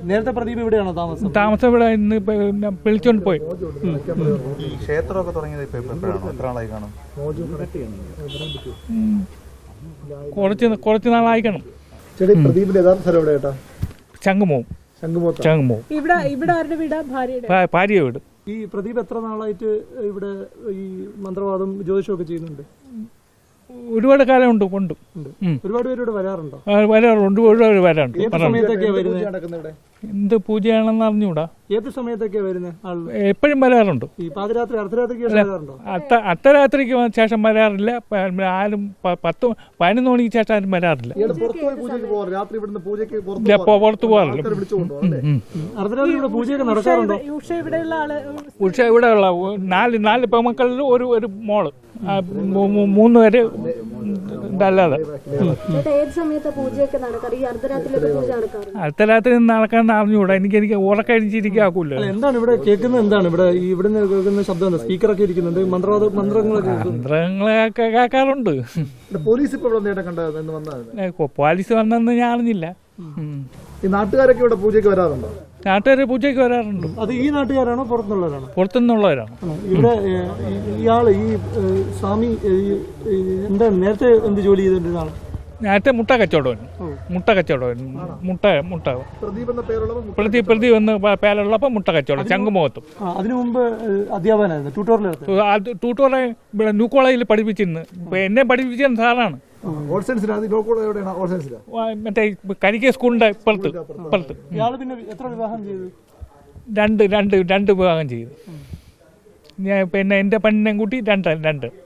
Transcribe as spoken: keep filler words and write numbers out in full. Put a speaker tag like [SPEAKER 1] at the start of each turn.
[SPEAKER 1] നേരത്തെ പ്രദീപ് ഇവിടെയാണോ താമസം?
[SPEAKER 2] താമസം ഇവിടെ ഇന്ന് വിളിച്ചോണ്ട് പോയി.
[SPEAKER 3] ക്ഷേത്രമൊക്കെ തുടങ്ങിയത് ഇപ്പൊ എപ്പോഴാണോ, എത്ര നാളായി കാണും?
[SPEAKER 2] കുറച്ച് കുറച്ച് നാളായിക്കണം.
[SPEAKER 1] പ്രദീപിന്റെ യഥാർത്ഥ സ്ഥലം എവിടെ ചേട്ടാ?
[SPEAKER 2] ചങ്ങുമോവും ചങ്ങുമോവും
[SPEAKER 4] ഇവിടെ ഇവിടെ ആരുടെ വീടാ? ഭാര്യയുടെ
[SPEAKER 2] ഭാര്യ വീട്.
[SPEAKER 1] ഈ പ്രദീപ് എത്ര നാളായിട്ട് ഇവിടെ ഈ മന്ത്രവാദം ജ്യോതിഷമൊക്കെ ചെയ്യുന്നുണ്ട്?
[SPEAKER 2] ഒരുപാട് കാലം ഉണ്ട് കൊണ്ട്
[SPEAKER 1] ഒരുപാട് പേര് ഇവിടെ വരാറുണ്ടോ?
[SPEAKER 2] വരാറുണ്ട്, ഒരുപാട് വരാറുണ്ട്.
[SPEAKER 1] സമയത്തൊക്കെയാണ്
[SPEAKER 2] എന്ത് പൂജയാണെന്ന് അറിഞ്ഞൂടാ.
[SPEAKER 1] ഏത് സമയത്തൊക്കെയാ വരുന്നത്?
[SPEAKER 2] എപ്പോഴും വരാറുണ്ട്.
[SPEAKER 1] ഈ പാതിരാത്രി അർദ്ധരാത്രിക്ക് വരാറുണ്ടോ?
[SPEAKER 2] അത്ത അർദ്ധരാത്രിക്ക് ശേഷം വരാറില്ല. ആരും പത്ത് പതിനൊന്ന് മണിക്ക് ശേഷം ആരും വരാറില്ല. പുറത്തു പോകാറില്ല.
[SPEAKER 1] അർദ്ധരാത്രി ഇവിടെ പൂജയൊക്കെ നടക്കാറുണ്ടോ?
[SPEAKER 2] ഉഷ ഇവിടെയുള്ള നാല് നാല് പെമക്കളിൽ ഒരു ഒരു മോള്, മൂന്ന് പേര് ഇതല്ലാതെ. അർദ്ധരാത്രി നടക്കാൻ അറിഞ്ഞുകൂടാ. എനിക്ക് എനിക്ക് ഉറക്കഴിച്ചിരിക്കാക്കൂല.
[SPEAKER 1] എന്താണ് ഇവിടെ കേൾക്കുന്നത്? എന്താണ് ഇവിടെ ഇവിടെ കേൾക്കുന്ന ശബ്ദം? സ്പീക്കറൊക്കെ ഇരിക്കുന്നുണ്ട്. മന്ത്രവാദ മന്ത്രങ്ങളൊക്കെ
[SPEAKER 2] മന്ത്രങ്ങളൊക്കെ കേൾക്കാറുണ്ട്.
[SPEAKER 1] പോലീസ്
[SPEAKER 2] പോലീസ് വന്നെന്ന് ഞാൻ അറിഞ്ഞില്ല.
[SPEAKER 1] നാട്ടുകാരൊക്കെ ഇവിടെ പൂജയ്ക്ക് വരാറുണ്ടോ?
[SPEAKER 2] നാട്ടുകാര് പൂജയ്ക്ക് വരാറുണ്ട്.
[SPEAKER 1] അത് ഈ നാട്ടുകാരാണോ പുറത്തുനിന്നുള്ളവരാണോ?
[SPEAKER 2] പുറത്തുനിന്നുള്ളവരാണ്.
[SPEAKER 1] ഇവിടെ ഇയാള് ഈ സ്വാമി എന്താ നേരത്തെ എന്ത് ജോലി ചെയ്തിട്ടാണ്?
[SPEAKER 2] നേരത്തെ മുട്ട കച്ചവടം മുട്ട കച്ചവടം മുട്ട മുട്ട പ്രദീപ് പ്രദീപ് എന്ന് പേരുള്ളപ്പോൾ മുട്ട കച്ചവടം ചങ്ങുമുഖത്തും.
[SPEAKER 1] അതിനു മുമ്പ് അധ്യാപകനായിരുന്നു. ട്യൂട്ടോറിയൽ
[SPEAKER 2] ട്യൂട്ടോറെ ഇവിടെ ന്യൂ കോളേജിൽ പഠിപ്പിച്ചിരുന്നു. ഇപ്പൊ എന്നെ പഠിപ്പിച്ചിരുന്ന സാറാണ്. മറ്റേ കരിക്ക സ്കൂളിന്റെ ഇപ്പുറത്ത് ഇപ്പുറത്ത് രണ്ട് രണ്ട് രണ്ട് വിഭാഗം ചെയ്തു. ഞാൻ പിന്നെ എന്റെ പെണ്ണിനെയും കൂട്ടി രണ്ട് രണ്ട്